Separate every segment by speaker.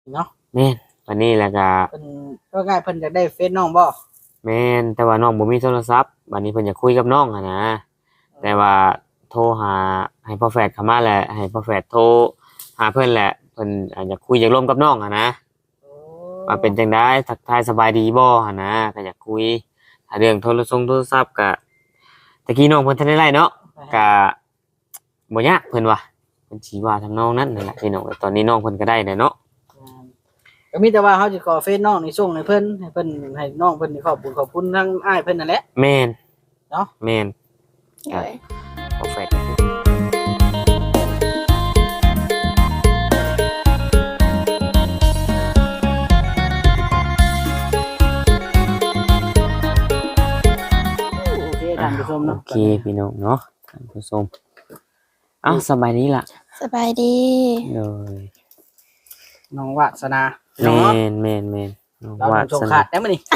Speaker 1: เนาะ
Speaker 2: แม่นวันนี้แหละก็
Speaker 1: เพิ่นก็ง่ายเพิ่นอยากได้เฟซน้องบ่
Speaker 2: แม่นแต่ว่าน้องบ่มีโทรศัพท์บัดนี้เพิ่นอยากคุยกับน้องหันนะแต่ว่าโทรหาให้พ่อแฝดเข้ามาแหละให้พ่อแฝดโทรหาเพิ่นแหละเพิ่นอยากคุยอยากร่วมกับน้องหันนะ
Speaker 1: โอ้
Speaker 2: ว่าเป็นจังได๋ทักทายสบายดีบ่หันนะก็อยากคุยถ้าเรื่องโทรศัพท์ก็ตะกี้น้องเพิ่นทันได้ไล่เนาะก็บ่ยากเพิ่นว่าเพิ่นสิว่าทำนองนั้นนั่นแหละพี่น้องตอนนี้น้องเพิ่นก็ได้แล้วเนาะ
Speaker 1: ก็มีแต่ว่าเขาจะขอเฟซน้องนี่ส่งให้เพิ่นให้น้องเพิ่นนี่ขอบคุณทั้งอ้ายเพิ่นนั่นแหละ
Speaker 2: แม่น
Speaker 1: เนาะ
Speaker 2: แม่น
Speaker 3: โดย
Speaker 2: พ่อแฝด
Speaker 1: โอเคท่านผู้ชมเนาะ
Speaker 2: โอเคพี่น้องเนาะท่านผู้ชมอ้าวสบายดีล่ะ
Speaker 3: สบายดี
Speaker 2: เลย
Speaker 1: น้องวาสนา
Speaker 2: แม
Speaker 1: เนาะ
Speaker 2: นแมนแมนน้อง
Speaker 1: เรา
Speaker 2: วา
Speaker 1: ส่ง
Speaker 2: ส
Speaker 1: ขา
Speaker 2: นา
Speaker 1: ดได้มื้อนี้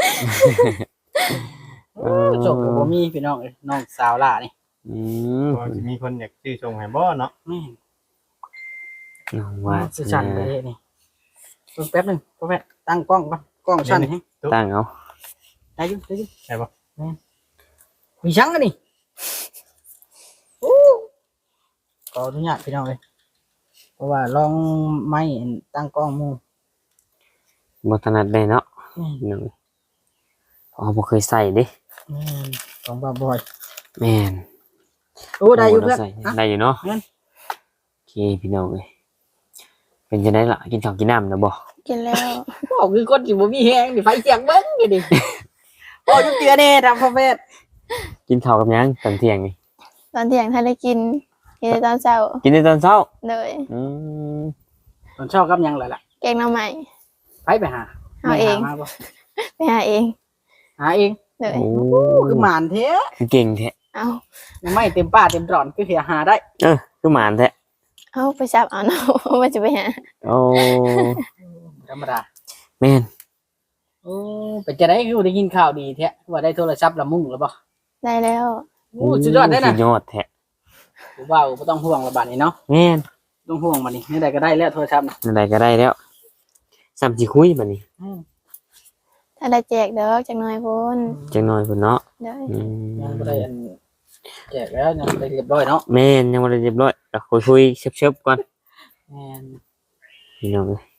Speaker 1: จบก็บ่มีพี่น้องเอ้ยน้องสาวล่านี่
Speaker 2: อืม
Speaker 4: ก็สิมีคนอยากซื้อส่งให้บ่เนาะ
Speaker 1: แม่น
Speaker 2: น้องวาส
Speaker 1: สิสั่น
Speaker 2: นา
Speaker 1: ไปเฮ็ดนี่เพิ่งแป๊บหนึงพ่อแม่ตั้งกล้องก่อนกล้องสั่นให้
Speaker 2: ตั้งเอา
Speaker 1: ได้อยู่
Speaker 4: ใช่บ่
Speaker 1: มีชังกันนี่โอ้ขออนุญาตพี่น้องเลยเพราะว่าลองไม้ตั้งกล้องหมู่
Speaker 2: บ่ถนัดได้เนาะ
Speaker 1: แม่น
Speaker 2: พี่น้องอ๋อบ่เคยใส่เด้
Speaker 1: แม่นของบ่าวบอย
Speaker 2: แม่น
Speaker 1: โอ้ได้อยู่เพื่อน
Speaker 2: ใส่
Speaker 1: ฮะ
Speaker 2: ได้อยู่เนาะ
Speaker 1: แม่น
Speaker 2: โอเคพี่น้องเอ้ยเป็นจังได๋ล่ะกินข้าวกินน้ำนะบ่
Speaker 3: กินแล้ว
Speaker 1: บอกคือคนที่บ่มีแฮงนี่ไฟเสียงเบิ่งนี่ดิโอ้ยเตือแน่ทำพ่อแม่
Speaker 2: กินข้าวกับหยังตอนเที่ยงนี่
Speaker 3: ตอนเที่ยงท่านได้กินแต่ตอนเช้า
Speaker 2: กินในตอนเช้า
Speaker 3: เลย
Speaker 2: อืม
Speaker 1: ตอนเช้ากับหยังเลยล่ะ
Speaker 3: แกงหน่อไม้
Speaker 1: ไปหา
Speaker 3: เอาเอง
Speaker 1: แม่หมาบ่
Speaker 3: ไปหาเอง
Speaker 1: หาเอง
Speaker 3: เลย
Speaker 2: โอ้
Speaker 1: คือหมานแท้
Speaker 2: เก่งแท้
Speaker 3: เอา
Speaker 1: ยังไม่เต็มป้าเต็มตรอนคือเสียหาได้
Speaker 2: คือหมานแท้
Speaker 3: เอาไปจับเอาเนาะ ว่าจะไปหา
Speaker 2: โอ้
Speaker 1: ธรรมดา
Speaker 2: แม่น
Speaker 1: โอ้เป็นจะได้คือได้กินข้าวดีแท้ว่าได้โทรศัพท์ละมุ่งหรือบ่
Speaker 3: ได้แล้ว
Speaker 1: โอ้สุดยอดได้น่ะ
Speaker 2: สุดยอดแท้
Speaker 1: ผมว่าบ่ต้องห่วงละบาดนี้เนาะ
Speaker 2: แม่น
Speaker 1: ต้องห่วงบัดนี้นี่ได้ก็ได้แล้วโทรศัพท์น่ะ
Speaker 2: อะไรก็ได้แล้วสามสิคุยบัดนี้
Speaker 3: ถ้าได้แจกเด้อจักหน่อยพุ่น
Speaker 2: จังน้อยพุ่นเนาะ
Speaker 3: เลย
Speaker 2: อืม
Speaker 1: ยังบ่ได้อันแจกแล้วยังบ่ได้เรียบร้อยเนาะ
Speaker 2: แม่นยังบ่ได้เรียบร้อยก็คุยๆเชิบๆก่อน
Speaker 1: แม่น
Speaker 2: พี่น้องเอ้ย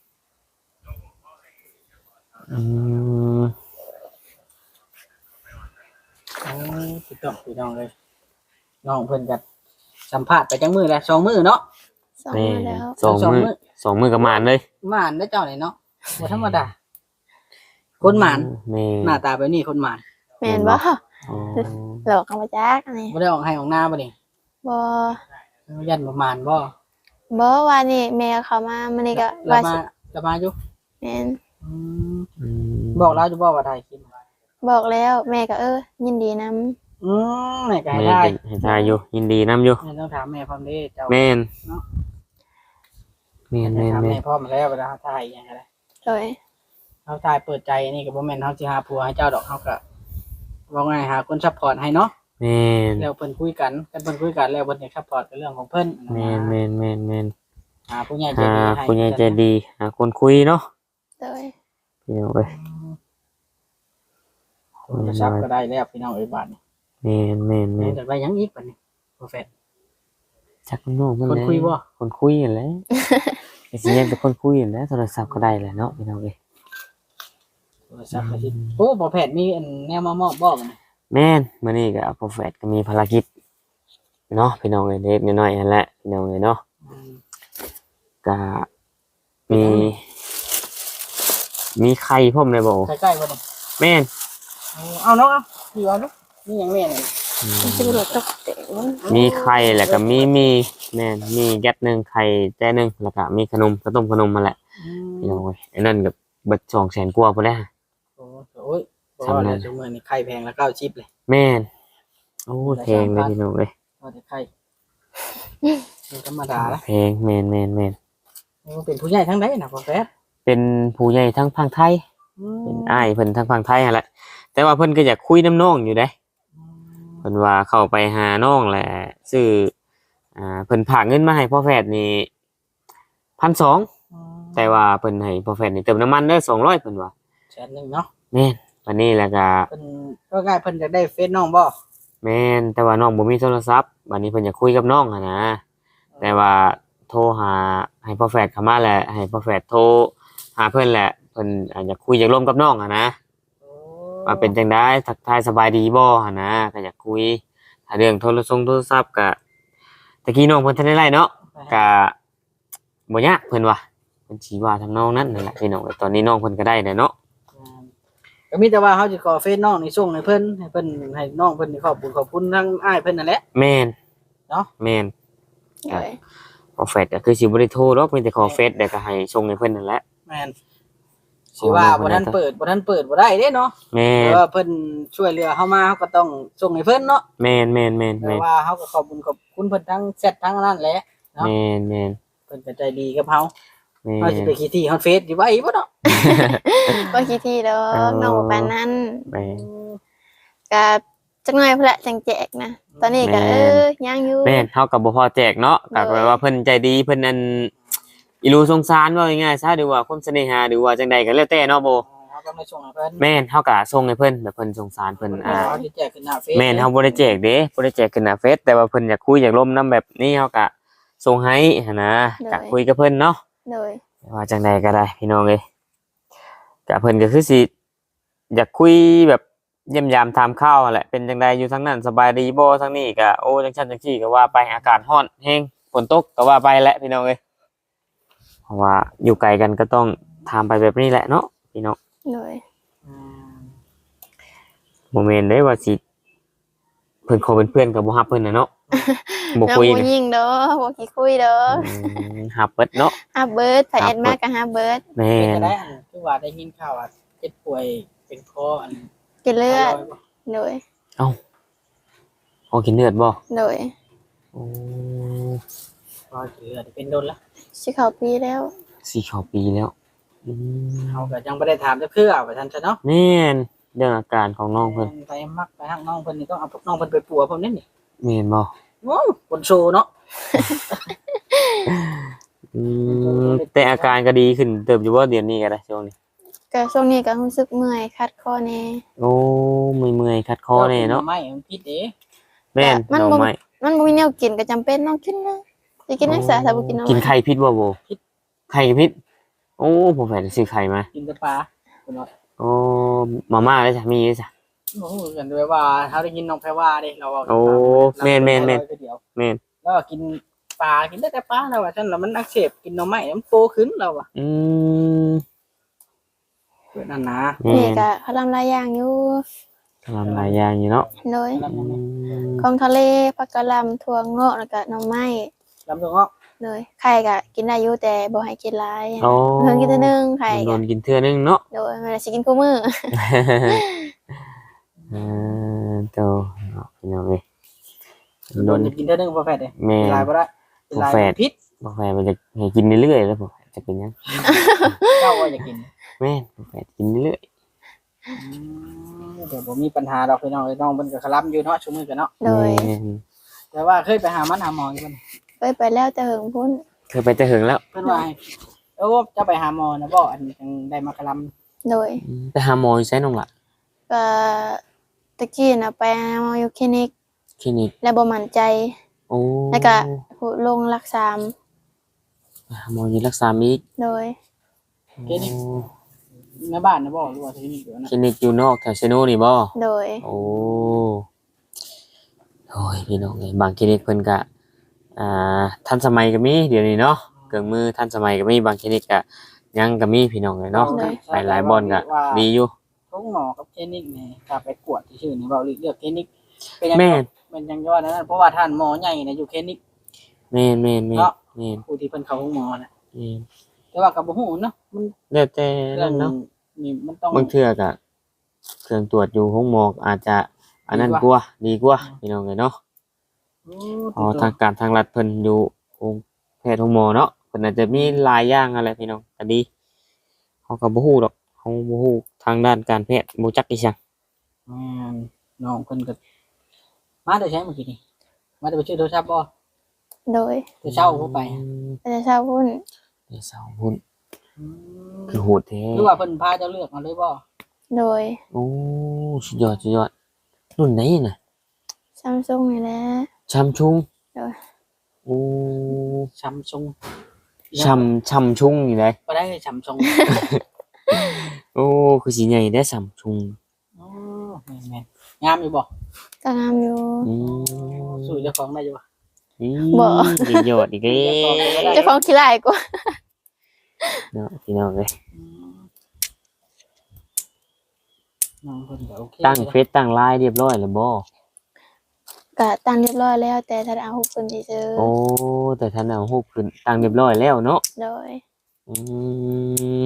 Speaker 2: อืม
Speaker 1: โอ้ถูกต้องพี่น้องเลยน้องเพิ่นก็สัมภาษณ์ไปจังมื้อแล้ว2มื้อเนาะ
Speaker 3: สอง
Speaker 2: แม่
Speaker 3: มื้อแล้ว
Speaker 2: สองมื้อสองมื้อกับหมานเลย
Speaker 1: หมานได้เจ้านี่เนาะบ่ธรรมดาคนหมาน
Speaker 2: แม่
Speaker 1: หน้าตาแบบนี้คนหมาน
Speaker 3: แม่นบ่
Speaker 2: อ๋อ
Speaker 3: หลอกเอามาจักอันนี้
Speaker 1: บ่ได้ออกให้ออกหน้าบ่นี่
Speaker 3: บ่
Speaker 1: ยันบ่หมานบ่
Speaker 3: บ่ว่านี่แม่เขามามื้อนี้ก็
Speaker 1: เรา
Speaker 3: ว่า
Speaker 1: มา
Speaker 3: สิ
Speaker 1: จะมาอยู่
Speaker 3: แม่น
Speaker 1: อืม
Speaker 2: อืม
Speaker 1: บอกเราจะบอกว่าถ่ายคลิป
Speaker 3: บอกแล้วแม่ก็ยินดีนํ
Speaker 1: แม่ก็ให้
Speaker 2: แม่
Speaker 1: ได้
Speaker 2: ก็ให้ทายอยู่ยินดีนํอยู่
Speaker 1: แม่ต้องถามแม่พร้อมเด้เจ้า
Speaker 2: แม่น
Speaker 1: เนาะ
Speaker 2: แม่นแม่น
Speaker 1: ถาม
Speaker 2: แม่
Speaker 1: แม่
Speaker 2: น
Speaker 1: พร้อมแล้วเวลาเขาถ่ายอย่างไร
Speaker 3: เลย
Speaker 1: เขาถ่ายเปิดใจนี่ก็บ่แม่นเขาสิหาผัวให้เจ้าดอกเขาก็ว่าไงหาคนซัพพอร์ตให้เนาะ
Speaker 2: แม่น
Speaker 1: แล้วเพิ่นคุยกันเพิ่นคุยกันแล้วเพิ่นจะซัพพอร์ตเป็นเรื่องของเพิ่น
Speaker 2: แม่นแม่นแม่นแม่น
Speaker 1: หาผู้ใหญ่ใจ
Speaker 2: หา
Speaker 1: ดีให้
Speaker 2: ผู้ใหญ่ใจดีหาคนคุยเนาะ
Speaker 3: เลย
Speaker 2: พี่น้องเอ้ย
Speaker 1: โทรศัพท์ก็ได้แล้วพี่น้องเอ้ยบาดนี้
Speaker 2: แม่นแม่น
Speaker 1: แม่
Speaker 2: แม่น
Speaker 1: จะไปยังอีกบัดนี้โปรเฟส
Speaker 2: จักน้องมัน
Speaker 1: คนคุยบ่
Speaker 2: คนคุยนั่นแหละไอ้สิยังเป็นคนคุยนั่นแหละโทรศัพท์ก็ได้แหละเนาะพี่น้องเอ้ย
Speaker 1: โทรศัพท์ก็สิโอ้โปรเฟสมีอันแนวมามอบบ่กัน
Speaker 2: แม่นมื้อนี้ก็โปรเฟสก็มีภารกิจเนาะพี่น้องเอ้ยเล็กน้อยๆนั่นแหละพี่น้องเอ้ยเนาะก็มีมีไข่พร้อมเลยบ่
Speaker 1: ใกล้ๆบ่นี่
Speaker 2: แม่น
Speaker 1: เอาเนาะเอาอยู่เอาเนาะนี่หยังแม่นี่
Speaker 3: มันสิบ่รู้ตกเตะ
Speaker 2: มีไข่แล้วก็มีแม่นมีแก๊สหนึงไข่แจ้หนึงแล้วก็มีขนมข้าวต้มขนมมาแหละพี่น้องเอ้ยไอ้นั่นก็เบิด200,000กว่าพุ่นแหละ
Speaker 1: โอ้ยเพราะว่าแล้วชั่วโมงนี้ไข่แพงแล้ว9ชิปเลย
Speaker 2: แม่นโอ้แพงเลยพี่น้องเอ้ย
Speaker 1: ว่าแต่ไข่ธรรมดาละ
Speaker 2: แพงแม่น
Speaker 1: เป็นผู้ใหญ่ทั้งใดนะพ่อแฟด
Speaker 2: เป็นผู้ใหญ่ทั้งฝั่งไทยเป็นอ้ายเพิ่นทั้งฝั่งไทยนั่นแหละแต่ว่าเพิ่นก็อยากคุยน้ำน้องอยู่เด้เพิ่นว่าเข้าไปหาน้องแหละซื้อเพิ่นฝากเงินมาให้พ่อแฝดนี่1,200 แต่ว่าเพิ่นให้พอแฟนนี่เติมน้ำมันเด้อ200เพิ่นว่า
Speaker 1: แสนหนึงเนาะ
Speaker 2: แม่นวันนี้แล้วก็
Speaker 1: เพิ่นก็ง่ายเพิ่นอยากได้เฟซน้องบ่
Speaker 2: แม่นแต่ว่าน้องบ่มีโทรศัพท์วันนี้เพิ่นอยากคุยกับน้องอะนะแต่ว่าโทรหาให้พ่อแฝดเข้ามาแหละให้พ่อแฝดโทรหาเพิ่นแหละเพิ่นอยากคุยอยากร่วมกับน้องอะนะ
Speaker 1: โอ้
Speaker 2: ว่าเป็นจังได๋ทักทายสบายดีบ่หั่นนะก็อยากคุยถ้าเรื่องโทรศัพท์ก็ตะกี้น้องเพิ่นทันได้ไล่เนาะก็บ่ยากเพิ่นว่าเพิ่นสิว่าทำนองนั้นนั่นแหละพี่น้องตอนนี้น้องเพิ่นก็ได้แล้วเนาะ
Speaker 1: ก็มีแต่ว่าเขาจะขอเฟซน้องนี่ส่งให้เพิ่นให้น้องเพิ่นนี่ขอบคุณทั้งอ้ายเพิ่นนั่นแหละ
Speaker 2: แม่น
Speaker 1: เนาะ
Speaker 2: แม่น
Speaker 3: โดย
Speaker 2: พอเฟซก็คือสิบ่ได้โทรหรอกมีแต่ขอเฟซแล้วก็ให้ส่งให้เพิ่นนั่นแหละ
Speaker 1: แม่นสิว่าบ่ทันเปิดบ่บ่ได้เด้เนาะ
Speaker 2: แม่
Speaker 1: แต่
Speaker 2: น
Speaker 1: ว่าเพิ่นช่วยเหลือเฮามาเฮาก็ต้องส่งให้เพิ่นเนาะ
Speaker 2: แม่นแม่นแม่น
Speaker 1: แต่
Speaker 2: แม่น
Speaker 1: ว่าเฮาก็ขอบคุณเพิ่นทั้งแชททั้งนั้นแหละ
Speaker 2: แม่นแม่น
Speaker 1: เพิ่นก็ใจดีกับเฮา
Speaker 2: แม่
Speaker 1: เฮาสิไปขี้ที่ฮอดเฟซอยู่ไว้บ่เนาะ
Speaker 3: บ่คิดที่ดอกน้องบ่ปานนั้น
Speaker 2: แม่น
Speaker 3: ก็จักหน่อยพุ่นละจังแจกนะตอนนี้ก็
Speaker 2: แม่น
Speaker 3: ยังอยู่
Speaker 2: แม่นเฮาก็บ่พอแจกเนาะก็แปลว่าเพิ่นใจดีเพิ่นอันอีหลูสงสารว่าง่ายๆซะหรือว่าความเสน่หาหรือว่าจังใดก็แล้วแต่เนาะโบ
Speaker 1: เฮาก็ไม่ส่งให้เพิ่น
Speaker 2: แม่นเฮาก็ส่งให้เพิ่นแบบเพิ่นสงสารเพิ่น
Speaker 1: เฮาสิแจกขึ้นหน้าเฟซ
Speaker 2: แม่นเฮาบ่ได้แจกเด้บ่ได้แจกขึ้นหน้าเฟซแต่ว่าเพิ่นอยากคุยอยากร่วมนํแบบนี้เฮาก็ส่งให้หันนะก็คุยกับเพิ่นเนาะ
Speaker 3: โดย
Speaker 2: ว่าจังใดก็ได้พี่น้องเอ้ยก็เพิ่นก็คือสิอยากคุยแบบเยี่ยมยามถามข่าวนั่นแหละเป็นจังใดอยู่ทางนั้นสบายดีบ่ทางนี้ก็โอ้จังซั่นจังซี่ก็ว่าไปอากาศร้อนแฮงฝนตกก็ว่าไปแหละพี่น้องเอ้ยเพราะว่าอยู่ไกลกันก็ต้องถามไปแบบนี้แหละเนาะพี่น้อง
Speaker 3: โดย
Speaker 1: อืม
Speaker 2: บ่แม่นเด้ว่าสิเพิ่นขอเป็นเพื่อนกับบ่ฮับเพิ่นน่ะเนาะบ่
Speaker 3: น้อง
Speaker 2: คุย
Speaker 3: บ่
Speaker 2: นะ
Speaker 3: ยิงเด้อบ่ขี้คุยเด้อ
Speaker 2: ฮับเบิดเนาะ
Speaker 3: ฮับเบิร์ดไผแอดมาก็ฮับเบิร์ด
Speaker 2: แม่
Speaker 1: เป็น
Speaker 2: น
Speaker 1: จะได้อันคือว่าได้ยินข่าวว่าเจ็บป่วยเป็นคออัน
Speaker 3: กินเลือด
Speaker 1: ไทรยด์บ่
Speaker 3: โดย
Speaker 2: ขอกินเลือดบ่
Speaker 3: โดย
Speaker 2: โอ้
Speaker 1: รอยเลือดเป็นโดนละ
Speaker 3: สิเข้าปีแล้ว
Speaker 2: สี่เข้าปีแล้วอืม
Speaker 1: เขาก็ยังไม่ได้ถามจะเพื่อว่าท่านจะเนาะ
Speaker 2: แม่นเรื่องอาการของน้องเพิ่น
Speaker 1: ไปมักไปหักน้องเพิ่นนี่ต้องเอาพวกน้องเพิ่นไปปัวเพิ่นนี่นี่
Speaker 2: แม่นบ่
Speaker 1: โอ้คนโชว์เนาะ
Speaker 2: อืมแต่อาการก็ดีขึ้นเติบอยู่บ่เดือนนี้ก็ได้ช่วงนี้
Speaker 3: ก็ช่วงนี้ก็รู้สึกเมื่อยคัดคอแน่
Speaker 2: โอ้เมื่อยๆคัดคอแน่เนาะ
Speaker 1: ไม่มันพิษเด้
Speaker 2: แม่น
Speaker 3: มัน
Speaker 2: ดอก
Speaker 3: บ่
Speaker 2: ไม้
Speaker 3: มันบ่มีแนวกินก็จำเป็นต้องกินเลยสิกินนักษาถ้าบ่กินเอา
Speaker 2: กินไข่พิษบ่โบไข่พิษโอ้ผมแฝดซื้อไข่มา
Speaker 1: กินแต่ปลาคนว่า
Speaker 2: โอ้มาม่าเลยจ้ะมีเลยจ้ะ
Speaker 1: โอ้โหกันด้วยว่าเขาได้ยินน้องแพรว่าเด้เราเอา
Speaker 2: โอ้แม่น
Speaker 1: แม่น
Speaker 2: แม่น
Speaker 1: แล้วก็กินปลากินได้แต่ปลาแล้วว่าท่านแล้วมันอักเสบกินหน่อไม้มันโตขึ้นแล้วว่ะ
Speaker 2: อืม
Speaker 1: เพื่อนนั่นนะ
Speaker 2: แม่
Speaker 3: นี่
Speaker 2: น
Speaker 3: ก็เขาทำหลายอย่างอยู่
Speaker 2: ทำหลายอย่างอยู่เนาะ
Speaker 3: โดย
Speaker 2: อืม
Speaker 3: ของทะเลผักกะหล่ำถั่วงอกแล้วก็หน่อไม้
Speaker 1: ลำตัวงอก
Speaker 3: เลยไข่ก็กินได้อยู่แต่บ่ให้กินหลาย
Speaker 2: โอ้
Speaker 3: เพิ่นกินแต่นึงไข่
Speaker 2: โด
Speaker 3: ก็
Speaker 2: นกินเทื่อนึงเนาะ
Speaker 3: โดยมันสิกินคู่มื้อ
Speaker 2: โตเนาะพี่น้องเอ้ย
Speaker 1: โด
Speaker 2: โด
Speaker 1: น
Speaker 2: น
Speaker 1: จะกินได้นึงพอแฟดเลย
Speaker 2: แม่
Speaker 1: ลายบ่ได้ลายพิษ
Speaker 2: บ่แฝดมันจะให้กินเรื่อยๆแล้วบ่แฝดจะเป็นหยัง
Speaker 1: เจ้าว่าจะกิน
Speaker 2: แม่นบ่แฝดกินเรื่อย
Speaker 1: เดี๋ยวผมมีปัญหาดอกพี่น้องน้องเพิ่นก็คลำอยู่เนาะชั่วมือกันเนาะ
Speaker 2: ๆ
Speaker 3: โดย
Speaker 2: แม่น
Speaker 1: แต่ว่าเคยไปหามันหาหมออยู่เพิ่น
Speaker 3: ไปแล้วแต่เหิงพุ่น
Speaker 2: เคยไปแต่หึงแล้ว
Speaker 1: เพิ่นว่าให้จะไปหาหมอนะบ่อันจังได้มาคล
Speaker 3: โดย
Speaker 2: ไปหาหมออยู่ไสน้องล่ะ
Speaker 3: ก็ตะกี้น่ะไปหาหมออยู่คลินิก
Speaker 2: คลินิก
Speaker 3: แล้วบ่มั่นใจ
Speaker 2: โอ้
Speaker 3: แล้วก็ลงรักษา
Speaker 2: ไปหาหมออยู่รักษามีก
Speaker 3: โดย
Speaker 2: โอ้
Speaker 1: ำในบ้านนะบ่หรือว่าที่นี่อยู่นะ
Speaker 2: คลินิกอยู่นอกแถวเชโนนี่บ่
Speaker 3: โดย
Speaker 2: โอ้โอ้ยพี่น้องเอ้ยบางคลินิกเพิ่นก็ทันสมัยก็มีเดี๋ยวนี้เนาะเครื่องมือทันสมัยก็มีบางคลินิกก็ยังก็มีพี่น้องเอ้ยเนาะไปหลายบ่อนก็ดีอยู่
Speaker 1: ทุกหมอกับคลินิกนี่ถ้าไปกวดที่ชื่อนี่เว้าเลือกคลินิกเป็นยัง
Speaker 2: แม่น
Speaker 1: เป็นยังยอดนั้นเพราะว่าท่านหมอใหญ่น่ะอยู่คลินิก
Speaker 2: แม่นแม่นแม่น
Speaker 1: เนาะ
Speaker 2: แม่น
Speaker 1: ผู้ที่เพิ่นเข้าห้องหมอน่ะ
Speaker 2: แม่น
Speaker 1: แต่ว่าก็บ่ฮู้เนาะมัน
Speaker 2: แล้วแต่
Speaker 1: เรื่อ
Speaker 2: นั่
Speaker 1: ง
Speaker 2: นเนาะ
Speaker 1: นี่มันต้อง
Speaker 2: บางเทื่อก็เครื่องตรวจอยู่ห้องหมอกอาจจะอันนั้นกว่าดีกว่าพี่น้องเอ้ยเนาะ อ๋อทางการทางรัฐเพิ่นอยู่องค์แพทย์ของหมอเนาะเพิ่นอาจจะมีหลายอย่างอะไรพี่น้องก็ดีเฮาก็บ่ฮู้ดอกเฮาบ่ฮู้ทางด้านการแพทย์บ่จักอีหยัง
Speaker 1: แม่นน้องเพิ่นก็มาได้ใช้เมื่อกี้นี่มาได้ไปชื่อโทรศัพท์บ่
Speaker 3: โดย
Speaker 1: แต่เช้าผู้ไป
Speaker 3: แต่เช้าพุ่น
Speaker 2: เดี๋ยวเสาร์พุ่น
Speaker 1: อืม
Speaker 2: คือโหดแท้
Speaker 1: หรือว่าเพิ่นพาเจ้าเลือกมาเลยบ่
Speaker 3: โดย
Speaker 2: โอ้สุดยอดสุดยอดรุ่นไหนน่ะ
Speaker 3: ซัมซุงนี่แหละ
Speaker 2: ชัมชุง
Speaker 3: โดย
Speaker 2: โอ้
Speaker 1: ซัมซุง
Speaker 2: ชัมชุงนี่เลย
Speaker 1: บ่ได้ซัมซุง
Speaker 2: โอ้คือสิใหญ่ได้ชัมชุง
Speaker 1: อ๋อแม่นๆงามอยู่บ่
Speaker 3: ก็งามอยู่
Speaker 2: อืม
Speaker 1: สู้เจ้าของได้อยู่บ่
Speaker 3: บ่
Speaker 2: สุดยอดอีกแล้ว
Speaker 3: เจ้าของขี้ร้ายกว่า
Speaker 2: เนาะพี่น้องเอ้ย
Speaker 1: อืมน้องเพิ่นก็โอเค
Speaker 2: ตั้งเฟซตั้งไลน์เรียบร้อยแล้วบ่
Speaker 3: ก็ตั้งเรียบร้อยแล้วแต่ถ้าเอาหุบคนซื่อ
Speaker 2: โอ้แต่ท่านเอารูปขึ้นตั้งเรียบร้อยแล้วเนาะ
Speaker 3: โดย
Speaker 2: อืม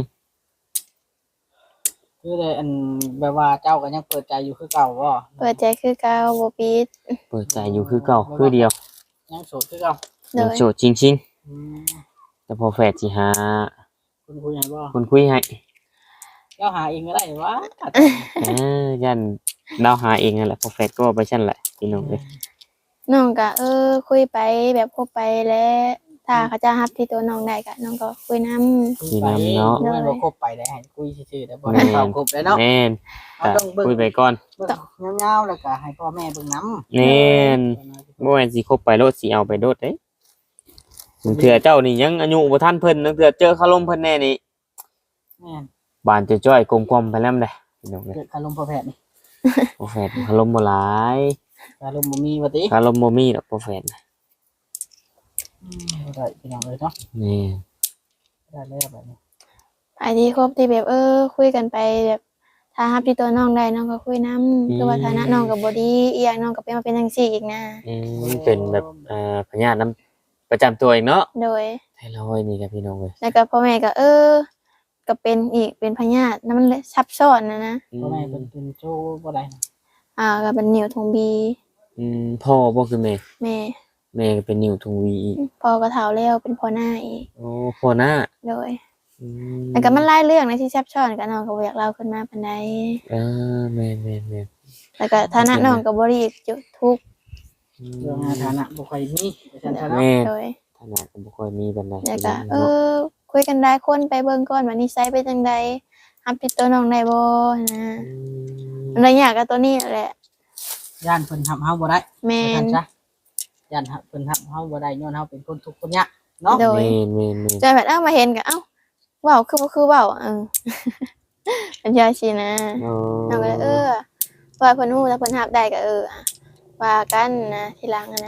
Speaker 1: คือได้อันแบบว่าเจ้าก็ยังเปิดใจอยู่คือเก่าบ่
Speaker 3: เปิดใจคือเก่าบ่ปิด
Speaker 2: เปิดใจอยู่คือเก่าคือเดียว
Speaker 1: ยังโสดคือเก่า
Speaker 3: โด
Speaker 2: ยัง
Speaker 3: ย
Speaker 2: โสดจริง
Speaker 1: อืม
Speaker 2: ๆแต่พอแฟดสิหา
Speaker 1: คุณคุยให้บ่
Speaker 2: คนคุยให้
Speaker 1: เจ้าหาเองก็ได้วะ
Speaker 2: ยันเราหาเองนั่นแหละพอแฟดก็ว่าไปชั้นแหละพี่น้องเอ้ย
Speaker 3: น้องก็คุยไปแบบคบไปแล้วถ้าเขาจะรับที่ตัวน้องได้ก็น้องก็คุยนำ
Speaker 1: คุยไปเนาะไม่บ่คบไปได้ให้คุยซื่อๆแต่บ่ให้เข้าคบเลยเนาะ
Speaker 2: แม่น
Speaker 1: เราต้องเบิ่ง
Speaker 2: คุยไปก่อน
Speaker 1: เบิ่งยาวๆแล้วก็ให้พ่อแม่เบิ่งนำ
Speaker 2: แม่น บ่แม่นสิคบไปโลดสิเอาไปโลดเด้บางเทื่อเจ้านี่ยังอายุบ่ทันเพิ่นบางเทื่อเจอคารมเพิ่นแน่นี่
Speaker 1: แม่น
Speaker 2: บานจะจ้อยกลมกลอมไปแล้วเด้พี่น้องเอ้ย
Speaker 1: เกิดคารมพ่อแพทย์นี่
Speaker 2: พอแฟดคารมบ่หลาย
Speaker 1: คารมบ่มีว่าติ
Speaker 2: คารมบ่มีดอกพอแฟดน่ะ
Speaker 1: บ่ได้พี่น้องเอ้ยเนาะ
Speaker 2: นี่
Speaker 1: ได้แล้วแบบนี้
Speaker 3: ไอ้ที่คบที่แบบคุยกันไปแบบถ้ารับที่ตัวน้องได้น้องก็คุยนำคือว่าฐานะน้องก็บ่ดีอีกอย่างน้องก็เป็นมาเป็นจังซี่อีกนะ
Speaker 2: เป็นแบบพญาติน้ำประจำตัวเองเนาะ
Speaker 3: โดย
Speaker 2: ไทรอยด์นี่ครับพี่น้องเอ้ย
Speaker 3: แล้วก็พ่อแม่ก็ก็เป็นอีกเป็นพยาธินั่นมันเลยซับซ้อนนะ
Speaker 1: พ่อแม่เพิ่นเป็นโชว์บ่ได้นะ
Speaker 3: ก็เป็นนิ้วทงบี
Speaker 2: พ่อบ่คือแม่
Speaker 3: แม่
Speaker 2: แม่ก็เป็นนิ้วทงวีอีก
Speaker 3: พ่อก็เฒ่าแล้วเป็นพ่อหน้าอีก
Speaker 2: โอ้พ่อหน้า
Speaker 3: โดย
Speaker 2: อื
Speaker 3: แล้วก็มันหลายเรื่องนะที่ซับซ้อนก็น้องก็บ่อยากเล่าขึ้นมาปานใด
Speaker 2: แม่น
Speaker 3: แล้วก็ฐานะน้องก็บ่ได้จุทุกข์
Speaker 1: เรื่องฐานะบ่ค่อยมีว่าซั่นซะเนาะ
Speaker 2: แม่
Speaker 3: โดย
Speaker 2: ฐานะก็บ่ค่อยมีปานใด
Speaker 3: แล้วก็คุยกันได้คนไปเบิ่งก่อนว่านิสัยเป็นจังไดรับติดตัวน้องได้บ่นะมันได้ยากกับตัวนี้แหละ
Speaker 1: ย่านเพิ่นทำเฮาบ่ได้
Speaker 3: แม่
Speaker 1: ว่าน ซั่นซะย่านเพิ่นทำเฮาบ่ได้ย้อนเฮาเป็นคนทุกข์คนยากเนาะ
Speaker 3: โดย
Speaker 2: แม่น
Speaker 3: จนแบบมาเห็นก็เว้าคือบ่คือเว้าเป็นยาชีนะ น้องก็เลยว่าเพิ่นฮู้ถ้าเพิ่นรับได้ก็ว่ากันนะทีหลังนะ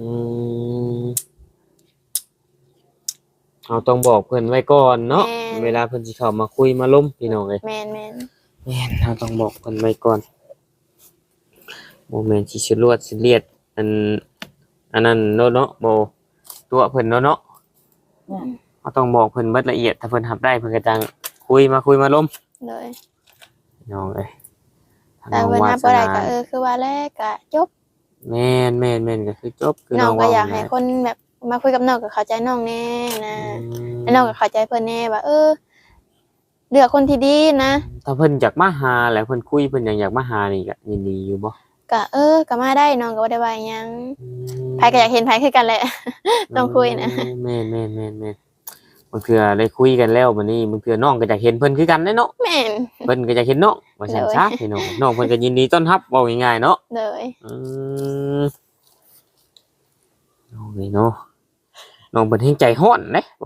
Speaker 2: เราต้องบอกเพิ่นไว้ก่อนเนาะเวลาเพิ่นสิเข้ามาคุยมาล้มพี่น้องเอ้ย
Speaker 3: แม่น
Speaker 2: แม่นเราต้องบอกเพิ่นไว้ก่อนบ่แม่นสิชลวดสิเลียดอันนั้นเนาะบ่ตัวเพิ่นเนาะเราต้องบอกเพิ่นเบิดละเอียดถ้าเพิ่นรับได้เพิ่นก็จังคุยมาล้ม
Speaker 3: เลย
Speaker 2: พี่น้องเอ้ย
Speaker 3: แต่เพิ่นรับบ่ได้ก็คือว่าแรกก็จบ
Speaker 2: แม่นก็คือจบคือ
Speaker 3: น้องก็
Speaker 2: เว้
Speaker 3: อยากให้คนแบบมาคุยกับน้องก็เข้าใจน้องแน่นะแล้วน้องก็เข้าใจเพิ่นแน่ว่าเลือกคนที่ดีนะ
Speaker 2: ถ้าเพิ่นอยากมาหาแล้วเพิ่นคุยเพิ่นอยากมาหานี่ก็ยินดีอยู่บ่
Speaker 3: ก็ก็มาได้น้องก็บ่ได้ว่าหยังไผก็อยากเห็นไผคือกันแหละ ต้องคุยนะ
Speaker 2: แม่นบางเทื่อได้คุยกันแล้วบัดนี้บางเทื่อน้องก็อยากเห็นเพิ่นคือกันเด้เนาะ
Speaker 3: แม่น
Speaker 2: เพิ่นก็อยากเห็นน้องว่าซั่นซะพี่น้องน้องเพิ่นก็ยินดีต้อนรับเว้าง่ายๆเนาะ
Speaker 3: เลย
Speaker 2: น้องนี่เนาะน้องเพิ่นแฮงใจร้อนเด้โอ้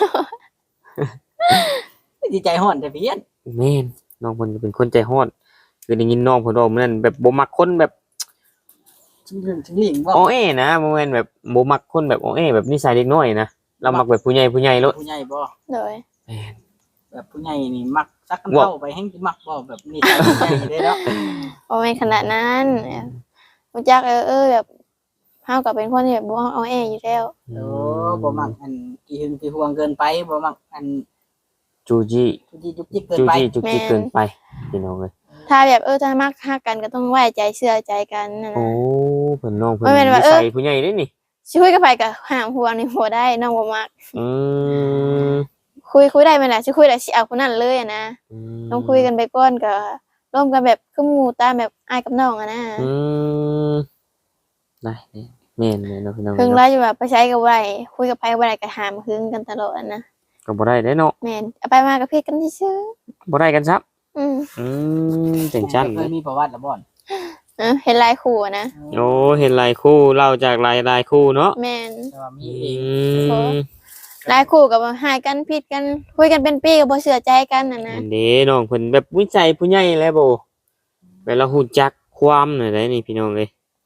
Speaker 1: ดีใจฮ้อนแต่เพี้ยน
Speaker 2: แม่นน้องเพิ่นก็เป็นคนใจร้อนคือได้ยินน้องเพิ่นเว้ามื้อนั้นแบบบ่มักคนแบบ
Speaker 1: ชิงเรื่องชิงหลิงบ่
Speaker 2: อ้อแอนะบ่แม่นแบบบ่มักคนแบบอ้อแอแบบนิสัยเด็กน้อยนะเรามักแบบผู้ใหญ่โลด
Speaker 1: ผู้ใหญ่บ่
Speaker 3: เลย
Speaker 2: แม่น
Speaker 1: แบบผู้ใหญ่นี่มักซักกันเข้าไปแห่งสิมักบ่แบบนี้ผู้ใหญ่เด้เนาะ
Speaker 3: บ่แม่นขนาดนั้นรู้จักแบบเฮาก็เป็นคนที่แบบบ่เอาแออยู่แล้ว
Speaker 1: โอ้บ่มักอันกี่หึงกี่ห่วงเกินไปบ่มักอัน
Speaker 2: จูจี้
Speaker 1: ทุกที่จุกจิกเกิน
Speaker 2: จู
Speaker 1: ไป
Speaker 2: จี้จุกจิกเกินไปพี่น้องเอ้ย
Speaker 3: ถ้าแบบถ้ามักฮักกันก็ต้องไว้ใจเชื่อใจกันนะ
Speaker 2: โอ้เพิ่นน้องเพิ่น
Speaker 3: บ่แม่นว่า
Speaker 2: นิสัยผู้ใหญ่เด้นี่
Speaker 3: สิคุยกับไผก็ห้ามห่วงนี่บ่ได้น้องบ่มัก
Speaker 2: อืม
Speaker 3: คุยได้แม่นล่ะสิคุยแล้วสิเอาคนนั้นเลยนะ ต้องคุยกันไปก่อนก็ร่วมกันแบบคือหมู่ตามแบบอ้ายกับน้องนะ
Speaker 2: อืมได้แม่นเนาะพี่น้อง
Speaker 3: เพิ่ง
Speaker 2: เนาะ
Speaker 3: แล้วอยู่ว่าไปใช้กับบ่ได้คุยกับไผบ่ได้ก็ห้ามหึงกันตลอดนะ
Speaker 2: ก็บ่ได้เด้เนาะ
Speaker 3: แม่นเอาไปมาก็ผิดกันซื่อ
Speaker 2: บ่ได้กันซับ
Speaker 3: อืม
Speaker 2: จังซั่น
Speaker 1: เคยมีประวัติแล้วบ่อน
Speaker 3: เห็นลายคู่อะนะ
Speaker 2: โอ้เห็นหลายคู่เล่าจากหลายคู่เนาะ
Speaker 3: แม่น
Speaker 1: แต่ว่ามี
Speaker 2: อื
Speaker 1: เอง
Speaker 2: ม
Speaker 3: ลายคู่กับหายกันผิดกันคุยกันเป็นปีก็บ่เชื่อใจกันน่ะนะ
Speaker 2: อันนี้น้องเพิ่นแบบวิจัยผู้ใหญ่แล้วบ่เวลาฮู้จักความหน่อยได้นี่พี่น้องเอ้ย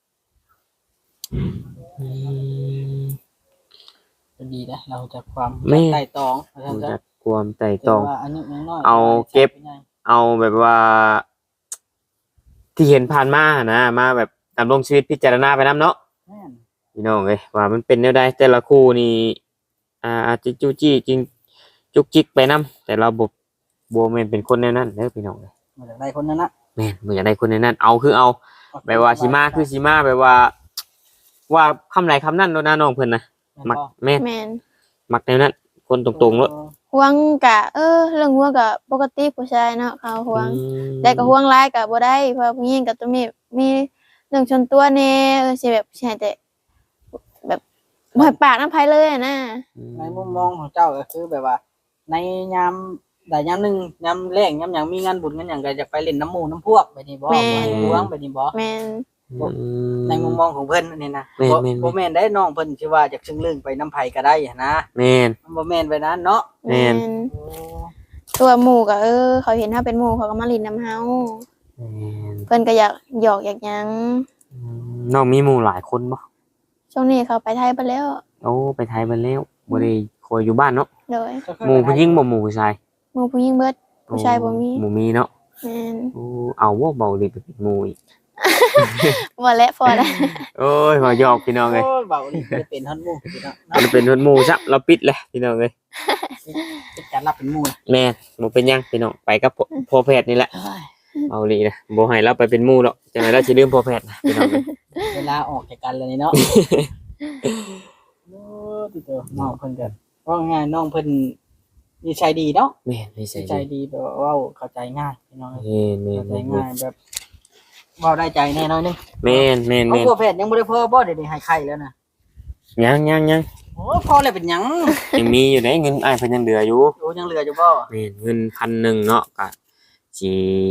Speaker 2: อืม
Speaker 1: ก็ดีนะเราจะความ
Speaker 2: แม่
Speaker 1: ไต่ตองว่าซั่น
Speaker 2: รู้
Speaker 1: ซะ
Speaker 2: จักความไตร่ต
Speaker 1: แต่
Speaker 2: รอง
Speaker 1: ว่าอายุน้อยๆ
Speaker 2: เอาเก็บ
Speaker 1: ใช้ไปไง
Speaker 2: เอาแบบว่า ที่เห็นผ่านมานะมาแบบดำรงชีวิตพิจารณาไปนํเนาะ
Speaker 1: แม่น
Speaker 2: พี่น้องเอ้ยว่ามันเป็นแนวใดแต่ละคู่นี่อาจจะจู้จี้จริงจุกจิกไปนํแต่เราบ่แม่นเป็นคนแนวนั้นเด้อพี่น้องเอ้ย
Speaker 1: มาจากใดคนนั้นนะ
Speaker 2: แม่นบ่อยากได้คนแนวนั้นเอาคือเอาแบบว่าสิมาคือสิมาแบบว่า ว่าคำไหนคำนั้นโดนนะน้องเพิ่นนะมักแม่น
Speaker 3: แม่น
Speaker 2: มักแนวนั้น คนตรงๆเนาะ
Speaker 3: ห่วงกะเรื่องห่วงกะปกติผู้ชายเนาะเขาห่วง
Speaker 2: อืม
Speaker 3: แต่ก็ห่วงหลายก็บ่ได้เพราะผู้หญิงก็ต้องมีเรื่องชนตัวแน่สิแบบสิให้แต่แบบบ่ให้ปากน้ำไผเลยอะนะ
Speaker 1: ในมุมมองของเจ้าก็คือแบบว่า ในยามใดยามหนึงยามแรงยามหยังมีงานบุญงานหยังก็จะไปเล่นน้ำหมู่น้ำพวกแบบนี้บ่บ่ให้ห่วงแบบนี้บ่
Speaker 3: แม่น
Speaker 1: ในมุมมองของเพิ่นนี่นะ
Speaker 2: แม่น
Speaker 1: บ่
Speaker 2: แม่น
Speaker 1: บ่แม่นได้น้องเพิ่นสิว่าจากซึ่งเรื่องไปน้ำไผก็ได้หันนะ
Speaker 2: แม่น
Speaker 1: มันบ่แม่นไปนั้นเนาะ
Speaker 2: แม่น
Speaker 1: โอ้
Speaker 3: ตัวหมู่ก็เขาเห็นเฮาเป็นหมู่เขาก็มาลินน้ำเฮา
Speaker 2: แม่น
Speaker 3: เพิ่นก็อยากหยอกอยากหยัง
Speaker 2: น้องมีหมู่หลายคนบ่
Speaker 3: ช่วงนี้เขาไปไทยไปแล้ว
Speaker 2: โอ้ไปไทยเบิ่แล้วบ่ได้คอยอยู่บ้านเนาะ
Speaker 3: โดย
Speaker 2: หมู่ผู้หญิงบ่หมู่ผู้ชาย
Speaker 3: หมู่ผู้หญิงเบิดผู้ชายบ่มี
Speaker 2: หมู่มีเนาะ
Speaker 3: แม่น
Speaker 2: โอ้เอาบ่เบาดิไปเป็นหมู่อีก
Speaker 3: บ่และพอแล้ว
Speaker 2: โอ้ยขอหยอกพี่น้องเอ้ย
Speaker 1: โอ้ยเบานี่จะเป็นฮอดหมู่พี่น้องเนาะ
Speaker 2: มันเป็นหมู่ซะเราปิดเลยพี่น้องเอ้ย
Speaker 1: เป็นการรับเป็นหมู่นะ
Speaker 2: แม่นบ่เป็นหยังพี่น้องไปกับพ่อแพทย์นี่แหละ
Speaker 1: เอ้ย
Speaker 2: เอาลีนะบ่ให้เราไปเป็นหมู่หรอกจังได๋เราสิลืมพ่อแพทย์นะพี่น้องเอ้ย
Speaker 1: เวลาออกจากกันเลยนี่เนาะโอ้ติเตอน้องเพิ่นก็ว่าง่ายน้องเพิ่นนิสัยดีเนาะ
Speaker 2: แม่นนิสั
Speaker 1: นิ
Speaker 2: ย
Speaker 1: สัย
Speaker 2: ดี
Speaker 1: ดีแบบว่าเว้าเข้าใจง่ายพี่น้อง
Speaker 2: แม่น
Speaker 1: เข้าใจ
Speaker 2: แม่น
Speaker 1: ง่ายแบบเว้าได้ใจแน่นอนนึง
Speaker 2: แม่นแม่น
Speaker 1: เอา
Speaker 2: แม่น
Speaker 1: พวกแพทย์ยังบ่ได้พอบ่เดี๋ยวนี้ให้ไข้แล้วนะ
Speaker 2: ยัง
Speaker 1: โอ้พอแล้วเป็นหยัง
Speaker 2: ยังมีอยู่ในเงินอ้ายเพิ่นยังเหลืออยู่
Speaker 1: โอ้ยังเหลืออยู่บ่
Speaker 2: แม่นเงิน1,000เนาะก็สิ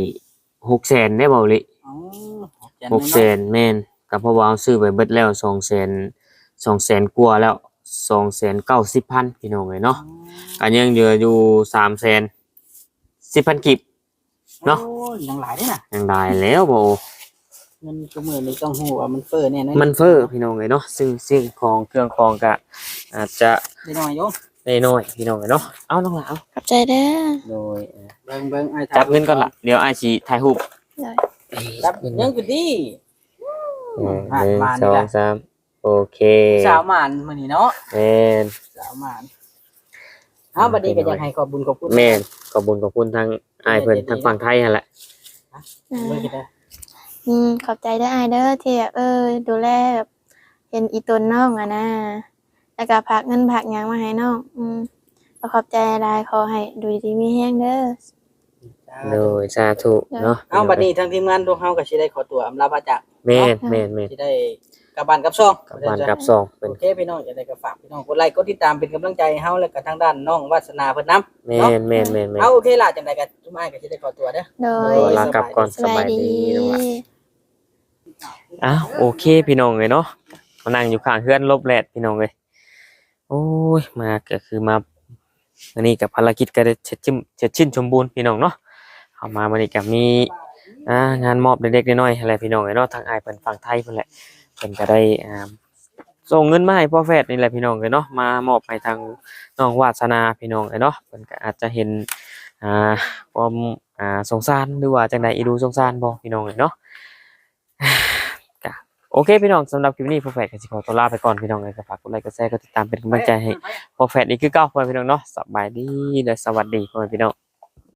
Speaker 2: 600,000ได้บ่ลิ
Speaker 1: อ๋อ
Speaker 2: 600,000แม่นก็เพราะว่าเอาซื้อไปเบิดแล้ว200,000กว่าแล้ว290,000พี่น้องเอ้ยเนาะก็ยังเหลืออยู่310,000กิบ เนาะ
Speaker 1: โอ้ยยังหลายเด้น่ะ
Speaker 2: ยังได้แล้วบ่
Speaker 1: เงินก็มื้อนี้ต้องฮู้ว่ามันเฟ้อแน่นอน
Speaker 2: มันเฟ้อพี่น้องเอ้ยเนาะซึ่งสิ่งของเครื่องของก็อาจจะ
Speaker 1: ได้น้อยโยม
Speaker 2: ได้น้อยพี่น้องเอ้ยเนาะเอาน้องหลาเอา
Speaker 3: ขอบใจเด้อ
Speaker 2: โดย
Speaker 1: เบิ่งอ้าย
Speaker 2: จับเงินก่อนล่ะเดี๋ยวอ้ายสิถ่ายรูป
Speaker 3: เลย
Speaker 1: จับยังคือดี
Speaker 2: หนึ่ง
Speaker 1: มา
Speaker 2: ส
Speaker 1: นี่
Speaker 2: อง
Speaker 1: ล่ะ
Speaker 2: สามโอเค
Speaker 1: สาวหมานมื้อนี้เนาะ
Speaker 2: แม่น
Speaker 1: สาวหมานเอาบัดนี้ก็อยากให้ขอบบุญขอบคุณ
Speaker 2: แม่นขอบคุณทางอ้ายเพิ่นทางฝั่งไทยนั่นแหละ
Speaker 1: เบิ่งกันเด้อ
Speaker 3: ขอบใจเด้ออายเด้อที่แบบดูแลแบบเห็นอีตนน้องอะนะแล้วก็พักเงินพักหยังมาให้น้องก็ขอบใจหลายขอให้ดูดีมีแฮงเด้อ
Speaker 2: โดยสาธุเนาะ
Speaker 1: เอาบัดนี้ทางทีมงานพวกเฮาก็สิได้ขอตัวอำลาพระจาก
Speaker 2: แม่น
Speaker 1: สิได้กลับบ้านกลับช่อง
Speaker 2: กับบ้านกับซองเป็น
Speaker 1: โอเคพี่น้องจะได้ก็ฝากพี่น้องกดไลค์กดติดตามเป็นกำลังใจให้เฮาแล้วก็ทางด้านน้องวาสนาเพิ่นนำ
Speaker 2: แม่น
Speaker 1: เอาโอเคล่ะจังได๋ก็ทุกอ้ายก็สิได้ขอตัวเด้อ
Speaker 3: โด
Speaker 2: โด
Speaker 3: ย
Speaker 2: ยลากลับก่อน
Speaker 3: สบายดี
Speaker 2: น้องหลาอ้าวโอเคพี่น้องเลยเนาะมานั่งอยู่ข้างเฮือนลบแลดพี่น้องเลยโอ้ยมาก็คือมาวันนี้กับภารกิจก็ได้เสร็จสิ้นสมบูรณ์พี่น้องเนาะเอามาวันนี้ก็มีงานมอบเล็กๆน้อยๆอะไรพี่น้องเลยเนาะทางอ้ายเพิ่นฝั่งไทยเพิ่นแหละเพิ่นก็ได้ส่งเงินมาให้พ่อแฟดนี่แหละพี่น้องเลยเนาะมามอบให้ทางน้องวาสนาพี่น้องเลยเนาะเพิ่นก็อาจจะเห็นความสงสารหรือว่าจังใดอีดูสงสารบ่พี่น้องเลยเนาะ โอเคพี่น้องสำหรับคลิปนี้พ่อแฟดก็สิขอตัวลาไปก่อนพี่น้องเลยก็ฝากกดไลค์กดแชร์กดติดตามเป็นกำลังใจให้พ่อแฟดอีกคือเก่าพ่อพี่น้องเนาะสบายดีและสวัสดีพ่อพี่น้อง